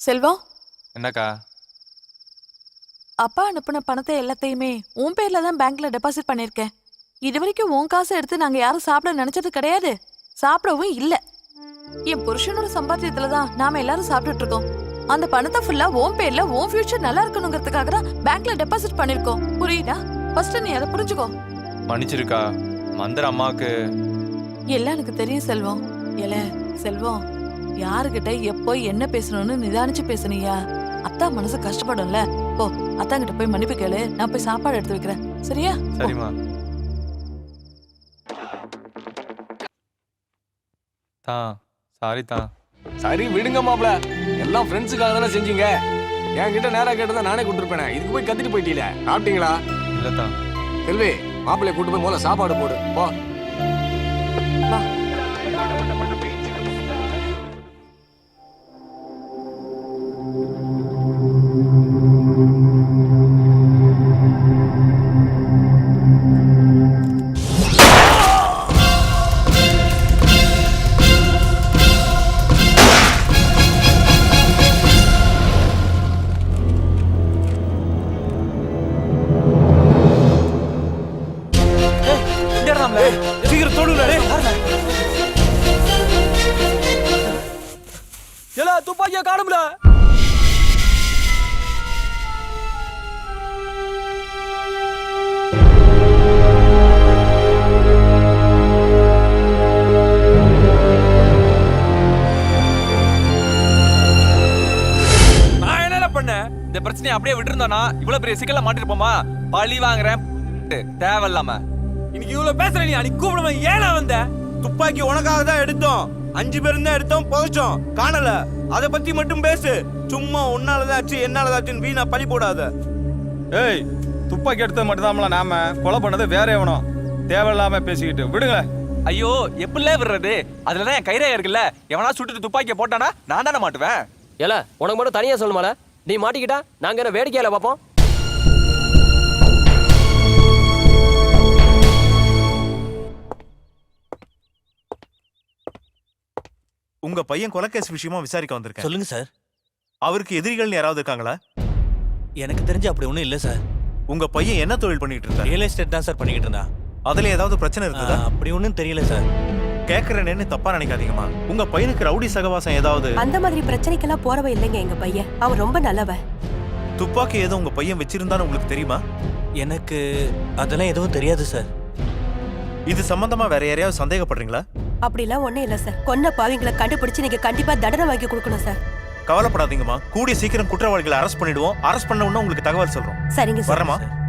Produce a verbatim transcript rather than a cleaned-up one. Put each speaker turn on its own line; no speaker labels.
செல்வம்,
என்னக்கா?
அப்பா அனுப்புன பணத்தை எல்லாத்தையுமே உன் பேர்ல தான் பேங்க்ல டெபாசிட் பண்ணிருக்கேன். இது வரைக்கும் உன் காசை எடுத்து நாங்க யாரும் சாப்பிட நினைச்சது கிடையாது, சாப்பிடவும் இல்ல. என் புருஷனோட சம்பாத்தியத்துல தான் நாம எல்லாரும் சாப்பிட்டுட்டு இருக்கோம். அந்த பணத்தை ஃபுல்லா உன் பேர்ல உன் ஃபியூச்சர் நல்லா இருக்கணுங்கிறதுக்காக தான் பேங்க்ல டெபாசிட் பண்ணிருக்கோம். புரியுதா? ஃபர்ஸ்ட் நீ அதை புரிஞ்சுக்கோ.
மன்னிச்சிருக்கா. மந்திர அம்மாக்கு
எல்லாம் எனக்கு தெரியும் செல்வம். ஏல செல்வம், யாருகிட்ட எப்போ என்ன பேசணும்னு நிதானிச்சு பேசுனியா? அத்தா மனசு கஷ்டப்படும்ல. போ, அத்தா கிட்ட போய் மன்னிப்பு கேளு. நான் போய் சாப்பாடு எடுத்து வைக்கிறேன். சரியா?
சரிம்மா. தான் சாரி தான்.
சரி விடுங்க மாப்ள, எல்லாம் ஃப்ரெண்ட்ஸுக்காக தானே செஞ்சீங்க. என்கிட்ட நேரா கேட்டதான் நானே கூட்டிருப்பேனே. இதுக்கு போய் கத்திட்டு போயிட்டீல. சாப்பிட்டீங்களா?
இல்ல தான்.
செல்வி, மாப்பிள்ளைய கூட்டு போய் முதல்ல சாப்பாடு போடு. போ.
வா.
சீக்கிரம் தொடுங்க.
ஏலா துப்பாக்கியா காணும்ல.
நான் என்னல பண்ணேன்? இந்த பிரச்சனையை அப்படியே விட்டுருந்தானா இவ்வளவு பெரிய சிக்கல்ல மாட்டிருப்போமா? பழி வாங்குறேன் தேவையில்லாம.
இன்னைக்கு இவ்வளவு பேசுற நீ அன்னைக்கு கூப்பிடாம ஏனா வந்த? துப்பாக்கி உனக்காக தான் எடுத்தோம். அஞ்சு பேரும் தான் எடுத்தோம், புதைச்சோம், காணல. அத பத்தி மட்டும் பேசு. சும்மா உன்னாலதான் ஆச்சு என்னாலதான் ஆச்சுன்னு வீணா பழி போடாத.
ஏய், துப்பாக்கி எடுத்தது மட்டும்தான்ல நாம, கொலை பண்ணது வேற எவனோ. தேவையில்லாம பேசிக்கிட்டு விடுங்க.
ஐயோ, எப்படிலே விடுறது? அதுலதான் என் கைரேகை இருக்குல்ல. எவனா சுட்டுட்டு துப்பாக்கியை போட்டானா நான் தானே மாட்டுவேன்.
ஏல உனக்கு மட்டும் தனியா சொல்லுமால. நீ மாட்டிக்கிட்டா நாங்க என்ன வேடிக்கையில பாப்போம்?
உங்க பையன் கொலைகேஸ் விஷயமா விசாரிக்க வந்திருக்கேன்.
சொல்லுங்க சார்.
அவருக்கு எதிரிகள் யாராவது இருக்காங்களா?
எனக்கு தெரிஞ்சு அப்படி ஒண்ணும் இல்ல சார்.
உங்க பையன் என்ன தொழில் பண்ணிட்டு இருந்தா?
ரியல் எஸ்டேட் தான் சார் பண்ணிக்கிட்டு இருந்தா.
அதுல ஏதாவது பிரச்சனை இருக்குதா?
அப்படி ஒண்ணும் தெரியல சார்.
கேக்குறேன்னு தப்பா நினைக்காதீங்கம்மா. உங்க பையனுக்கு ரவுடி சகவாசம் ஏதாவது?
அந்த மாதிரி பிரச்சனைக்கெல்லாம் போறவ இல்லைங்க எங்க பையன். அவன் ரொம்ப நல்லவன்.
துப்பாக்கி ஏதோ உங்க பையன் வச்சிருந்தான்னு உங்களுக்கு தெரியுமா?
எனக்கு அதெல்லாம் எதுவும் தெரியாது சார்.
இது சம்பந்தமா வேற யாரையாவது சந்தேகப்படுறீங்களா?
அப்படிலாம் ஒண்ணும் இல்ல சார். கொன்ன பாவிங்களை கண்டுபிடிச்சு நீங்க கண்டிப்பா தண்டனை வாங்கி கொடுக்கணும் சார்.
கவலைப்படாதீங்கம்மா, கூடிய சீக்கிரம் குற்றவாளிகளை அரெஸ்ட் பண்ணிடுவோம். அரெஸ்ட் பண்ண உடனே உங்களுக்கு தகவல் சொல்றோம்.
சரிங்க சார்.
வரமா?